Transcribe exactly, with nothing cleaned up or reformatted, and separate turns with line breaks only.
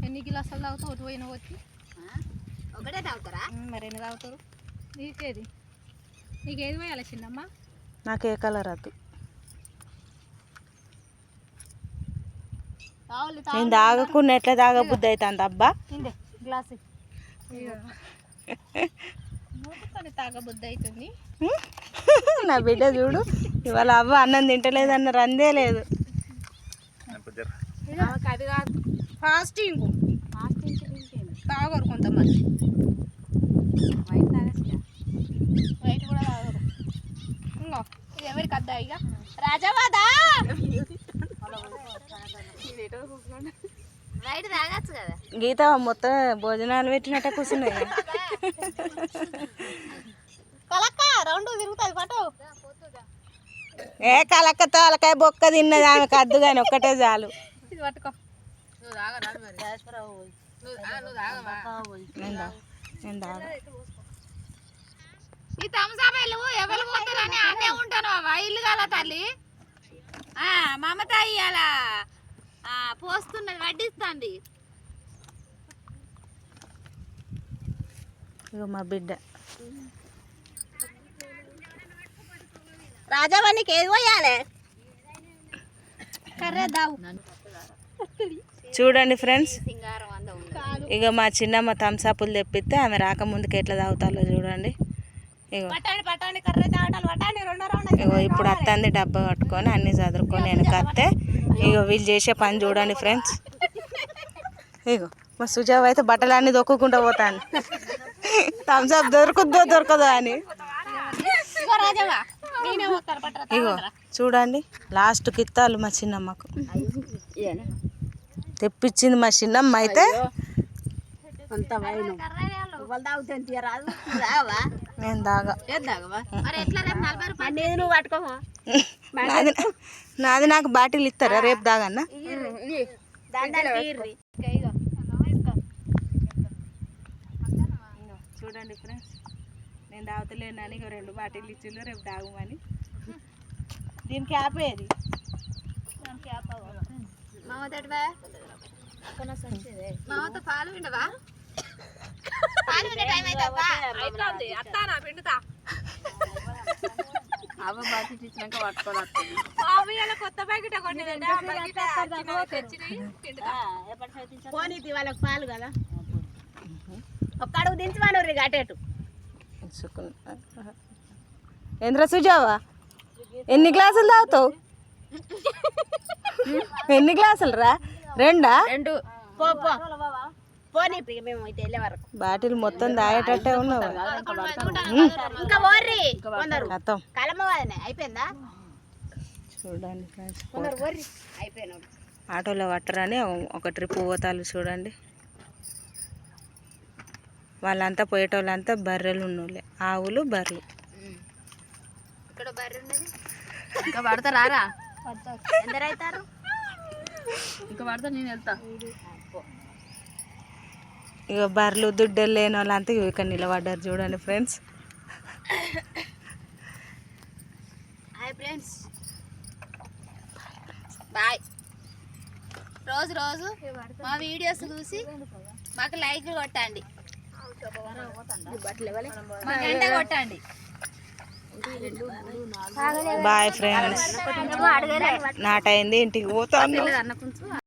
ఎన్ని గిలాసాలు తాగుతావు ఒకటి పోయినా వచ్చి
ఒకటే తాగుతారా
మరి ఎన్ని తాగుతారు నీకేది నీకేది పోయాలి చిన్నమ్మ
నాకు ఏ కలర్ వద్దు నేను తాగకుండా ఎట్లా తాగబుద్ధి అవుతుంది అబ్బా
గ్లాస్ మూడుకొని తాగబుద్ధి అవుతుంది
నా బిడ్డ చూడు ఇవాళ అవ్వ అన్నం తింటలేదన్న రందే లేదు
అది కాదు ఫాస్టింగ్ ఫాస్టింగ్ తాగరు కొంతమంది
వైట్ తాగచ్చు
వైట్ కూడా తాగరు ఇంకో ఇది ఎవరికి అద్దా ఇక రాజవాదా
వైట్ తాగచ్చు కదా
గీత మొత్తం భోజనాలు పెట్టినట్టే కూర్చున్నాయి
కలక్క రౌండ్ తిరుగుతుంది పట్టు
ఏ కలక్క తోలకాయ బొక్క తిన్నది ఆమెకు అద్దు కానీ ఒక్కటే చాలు
ఇది పట్టుకో
నేను తాగ
ఈ తమసాబాయిలు ఎవరు పోతారని అనే ఉంటాను ఇల్లు కాల తల్లి మమత ఇయ్యాల పోస్తున్నది వడ్డిస్తుంది
ఇగో మా బిడ్డ
రాజావానికి ఏది పోయాలి
కర్రే దావు
చూడండి ఫ్రెండ్స్
సింగారం అంద
ఇక మా చిన్నమ్మ థమ్సప్లు తెప్పిస్తే ఆమె రాకముందుకు ఎట్లా తాగుతాలో చూడండి ఇగో
పట్టాడి పట్టాడి కర్రే తాగటాలు పట్టాడి రెండో రౌండ్
ఇగో ఇప్పుడు అత్తంది డబ్బా కట్టుకొని అన్నీ చదువుకొని వెనకత్తే ఇగో వీళ్ళు చేసే పని చూడండి ఫ్రెండ్స్ ఇగో మా సుజావ్ అయితే బట్టలన్నీ దొక్కుకుంటూ పోతాను థమ్సప్ దొరుకుద్దో దొరకదో అని ఇగో చూడండి లాస్ట్కి ఇత్తాలు మా చిన్నమ్మకు తెప్పించింది మా చిన్నమ్మ అయితే నేను తాగా నాది నాది నాకు బాటిల్ ఇస్తారా రేపు తాగన్నా చూడండి ఫ్రెండ్స్ నేను తాగుతలేనని ఇక రెండు బాటిల్ ఇచ్చిండ్రు రేపు తాగుమని దీనికి ఆపేది
మామతో పాలు విండవా అవ్వ బాకెట్ ఇచ్చినాక పట్టుకోవాలి
కొత్త ప్యాకెట్
పోనీ వాళ్ళకి పాలు కదా ఒక్క అడుగు దించి వాడు గటేటు
ఏంద్ర సుజావా ఎన్ని గ్లాసులు తాగుతావు ఎన్ని గ్లాసులు రా రెండా
రెండు పో పో పోనీ మేము అయితే వెళ్ళే వరకు
బాటిల్ మొత్తం తాగేటట్టే ఉన్నావు
ఇంకా ఓర్రి
మొత్తం
కలమవాదనే అయిపోయిందా
చూడండి ఫ్రెండ్స్
కొందరు ఓర్రి అయిపోయినాడు
ఆటోలో పట్టరని ఒక ట్రిప్ పోతాలు చూడండి వాళ్ళంతా పోయేటోళ్ళంతా బర్రెలు ఉన్నోళ్ళే ఆవులు బర్రెలు
ఇక్కడ బర్రె ఉన్నది ఇంకా పడతారా ఎందరు అవుతారు ఇంకా పడతా నేను వెళ్తా
ఇక బర్రెలు దుడ్డలు లేని వాళ్ళంతా ఇక్కడ నిలబడ్డారు చూడండి ఫ్రెండ్స్
హాయ్ ఫ్రెండ్స్ బాయ్ రోజు రోజు మా వీడియోస్ చూసి మాకు లైక్ కొట్టండి మా గంట కొట్టండి
బాయ్ ఫ్రెండ్స్ నాటైంది ఇంటికి పోతాను